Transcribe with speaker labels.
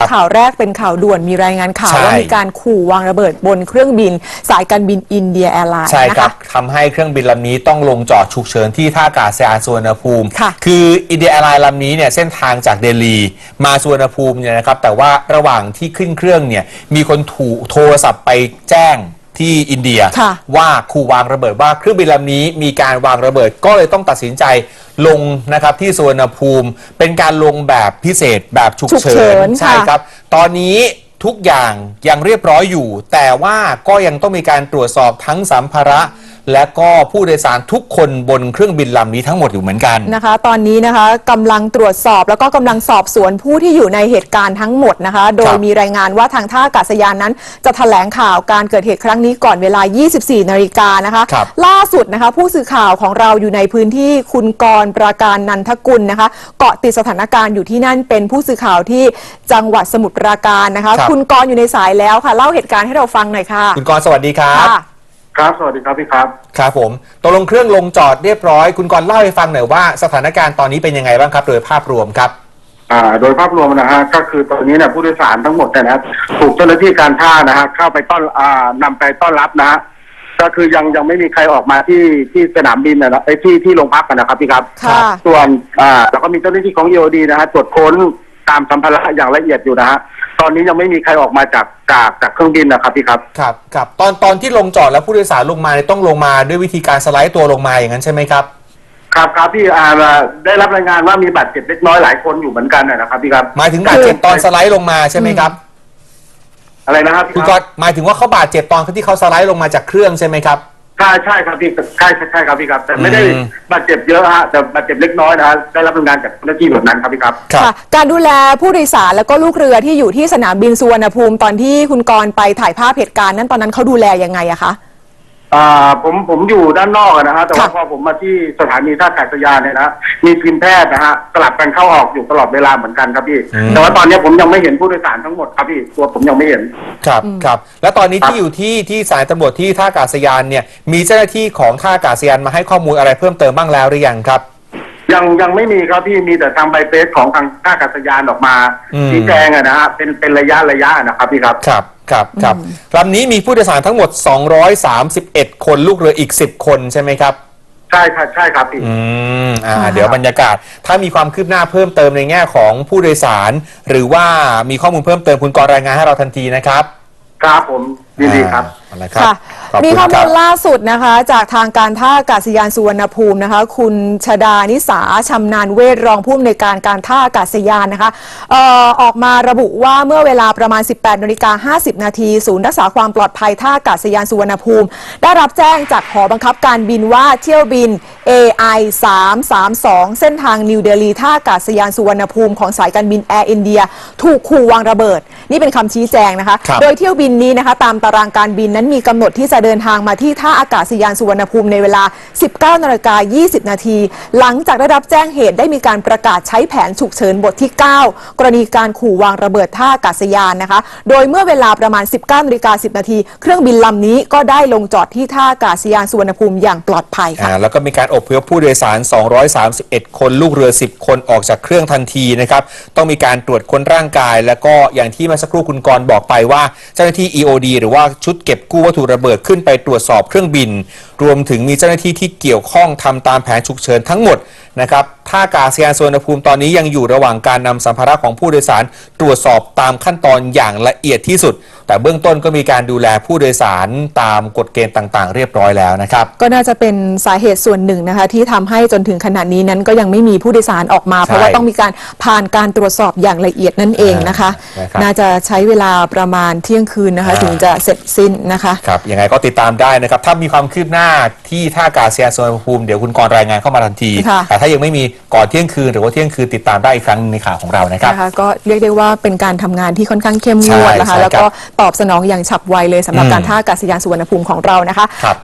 Speaker 1: ข่าวแรกเป็นข่าวด่วนมีรายงานข่าวว่ามีการขู่วางระเบิดบนเครื่องบินสายการบินอินเดียแอร์ไลน์
Speaker 2: ใช่ครับทำให้เครื่องบินลำนี้ต้องลงจอดฉุกเฉินที่ท่าอากาศยานสุวรรณภูมิคืออินเดียแอร์ไลน์ลำนี้เนี่ยเส้นทางจากเดลีมาสุวรรณภูมิเนี่ยนะครับแต่ว่าระหว่างที่ขึ้นเครื่องเนี่ยมีคนถูกโทรศัพท์ไปแจ้งที่อินเดียว่าขู่วางระเบิดว่าเครื่องบินลำนี้มีการวางระเบิดก็เลยต้องตัดสินใจลงนะครับที่สุวรรณภูมิเป็นการลงแบบพิเศษแบบฉุกเฉินใช่ครับตอนนี้ทุกอย่างยังเรียบร้อยอยู่แต่ว่าก็ยังต้องมีการตรวจสอบทั้งสัมภาระและก็ผู้โดยสารทุกคนบนเครื่องบินลำนี้ทั้งหมดอยู่เหมือนกัน
Speaker 1: นะคะตอนนี้นะคะกำลังตรวจสอบแล้วก็กำลังสอบสวนผู้ที่อยู่ในเหตุการณ์ทั้งหมดนะคะโดยมีรายงานว่าทางท่าอากาศยานนั้นจะแถลงข่าวการเกิดเหตุครั้งนี้ก่อนเวลา 24 นาฬิกานะคะล่าสุดนะคะผู้สื่อข่าวของเราอยู่ในพื้นที่คุณกรณ์ประการนันทกุลนะคะเกาะติดสถานการณ์อยู่ที่นั่นเป็นผู้สื่อข่าวที่จังหวัดสมุทรปราการนะคะคุณกรณ์อยู่ในสายแล้วค่ะเล่าเหตุการณ์ให้เราฟังหน่อยค่ะ
Speaker 2: คุณกรณ์สวัสดีครับ
Speaker 3: ครับสวัสดีครับพี่ครับ
Speaker 2: ครับผมตกลงเครื่องลงจอดเรียบร้อยคุณกรณ์เล่าให้ฟังหน่อยว่าสถานการณ์ตอนนี้เป็นยังไงบ้างครับโดยภาพรวมครับ
Speaker 3: โดยภาพรวมนะฮะก็คือตอนนี้เนี่ยผู้โดยสารทั้งหมดนะถูกเจ้าหน้าที่การท่านะฮะเข้าไปนำไปต้อนรับนะฮะก็คือยังไม่มีใครออกมาที่สนามบินนะที่โรงพักกันนะครับพี่ครับส่วนแล้วก็มีเจ้าหน้าที่ของ EOD นะฮะตรวจค้นตามสัมภาระอย่างละเอียดอยู่นะฮะตอนนี้ยังไม่มีใครออกมาจากเครื่องบินนะครับพี่ครับ
Speaker 2: ครับตอนที่ลงจอดแล้วผู้โดยสารลงมาต้องลงมาด้วยวิธีการสไลด์ตัวลงมาอย่างนั้นใช่ไหมครับ
Speaker 3: ครับพี่ได้รับรายงานว่ามีบาดเจ็บเล็กน้อยหลายคนอยู่เหมือนกันนะครับพี่ครับ
Speaker 2: หมายถึงบาดเจ็บตอนสไลด์ลงมาใช่ไหมครับ
Speaker 3: อะไรนะครับ
Speaker 2: คุณกรณ์หมายถึงว่าเขาบาดเจ็บตอนที่เขาสไลด์ลงมาจากเครื่องใช่ไหมครับ
Speaker 3: ใช่ครับพี่ใช่ครับพี่ครับแต่ไม่ได้บาดเจ็บเยอะฮะแต่บาดเจ็บเล็กน้อยนะฮะได้รับรายงานจากเจ้าหน้าที่แบบนั้นครับพี่ครับ
Speaker 1: การดูแลผู้โดยสารแล้วก็ลูกเรือที่อยู่ที่สนามบินสุวรรณภูมิตอนที่คุณกรณ์ไปถ่ายภาพเหตุการณ์นั้นตอนนั้นเขาดูแลยังไงอะคะ
Speaker 3: ผมอยู่ด้านนอกนะฮะแต่ว่าพอผมมาที่สถานีท่าอากาศยานเนี่ยนะมีทีมแพทย์นะฮะสลับกันเข้าออกอยู่ตลอดเวลาเหมือนกันครับพี่แต่ว่าตอนนี้ผมยังไม่เห็นผู้โดยสารทั้งหมดครับพี่ตัวผมยังไม่เห็น
Speaker 2: ครับแล้วตอนนี้ที่อยู่ที่สายตำรวจที่ท่าอากาศยานเนี่ยมีเจ้าหน้าที่ของท่าอากาศยานมาให้ข้อมูลอะไรเพิ่มเติมบ้างแล้วหรือยังครับ
Speaker 3: ยังไม่มีครับพี่มีแต่ทางใบเฟซของทางท่าอากาศยานออกมาชี้แจงนะฮะเป็นระยะนะครับพี่ครับ
Speaker 2: ครับลำนี้มีผู้โดยสารทั้งหมด231คนลูกเรืออีก10คนใช่ไหมครับ
Speaker 3: ใช่ครับพี่
Speaker 2: เดี๋ยวบรรยากาศถ้ามีความคืบหน้าเพิ่มเติมในแง่ของผู้โดยสารหรือว่ามีข้อมูลเพิ่มเติมคุณกรณ์รายงานให้เราทันทีนะครับ
Speaker 3: ครับผมดีครับ
Speaker 1: ค่ะมีข้อมูลล่าสุดนะคะจากทางการท่าอากาศยานสุวรรณภูมินะคะคุณชดานิสาชำนาญเวชรองผู้อำนวยการการท่าอากาศยานนะคะออกมาระบุว่าเมื่อเวลาประมาณ 18:50 นาทีศูนย์รักษาความปลอดภัยท่าอากาศยานสุวรรณภูมิได้รับแจ้งจากหอบังคับการบินว่าเที่ยวบิน AI 332เส้นทางนิวเดลีท่าอากาศยานสุวรรณภูมิของสายการบินแอร์อินเดียถูกขู่วางระเบิดนี่เป็นคำชี้แจงนะคะโดยเที่ยวบินนี้นะคะตามตารางการบินนั้นมีกำหนดที่จะเดินทางมาที่ท่าอากาศยานสุวรรณภูมิในเวลา 19:20 นาทีหลังจากได้รับแจ้งเหตุได้มีการประกาศใช้แผนฉุกเฉินบทที่ 9 กรณีการขู่วางระเบิดท่าอากาศยานนะคะโดยเมื่อเวลาประมาณ 19:10 นาทีเครื่องบินลำนี้ก็ได้ลงจอดที่ท่าอากาศยานสุวรรณภูมิอย่างปลอดภัยค่ะ
Speaker 2: แล้วก็มีการอพยพผู้โดยสาร231คนลูกเรือ10คนออกจากเครื่องทันทีนะครับต้องมีการตรวจค้นร่างกายแล้วก็อย่างที่เมื่อสักครู่คุณกรณ์บอกไปว่าเจ้าหน้าที่ EOD หรือว่าชุดเก็บกู้วัตถุระเบิดขึ้นไปตรวจสอบเครื่องบินรวมถึงมีเจ้าหน้าที่ที่เกี่ยวข้องทำตามแผนฉุกเฉินทั้งหมดนะครับท่าอากาศยานสุวรรณภูมิตอนนี้ยังอยู่ระหว่างการนำสัมภาระของผู้โดยสารตรวจสอบตามขั้นตอนอย่างละเอียดที่สุดแต่เบื้องต้นก็มีการดูแลผู้โดยสารตามกฎเกณฑ์ต่างๆเรียบร้อยแล้วนะครับ
Speaker 1: ก็น่าจะเป็นสาเหตุส่วนหนึ่งนะคะที่ทำให้จนถึงขณะนี้นั้นก็ยังไม่มีผู้โดยสารออกมาเพราะว่าต้องมีการผ่านการตรวจสอบอย่างละเอียดนั่นเองนะคะน่าจะใช้เวลาประมาณเที่ยงคืนนะคะถึงจะเสร็จสิ้นนะคะ
Speaker 2: ครับยังไงก็ติดตามได้นะครับถ้ามีความคืบหน้าที่ท่าอากาศยานสุวรรณภูมิเดี๋ยวคุณกรณ์รายงานเข้ามาทันทีแต่ถ้ายังไม่มีก่อนเที่ยงคืนหรือว่าเที่ยงคืนติดตามได้อีกครั้งในข่าวของเรานะครับ
Speaker 1: ก็เรียกได้ว่าเป็นการทำงานที่ค่อนข้างเข้มงวดนะคะแล้วก็ตอบสนองอย่างฉับไวเลยสำหรับการท่าอากาศยานสุวรรณภูมิของเรานะคะ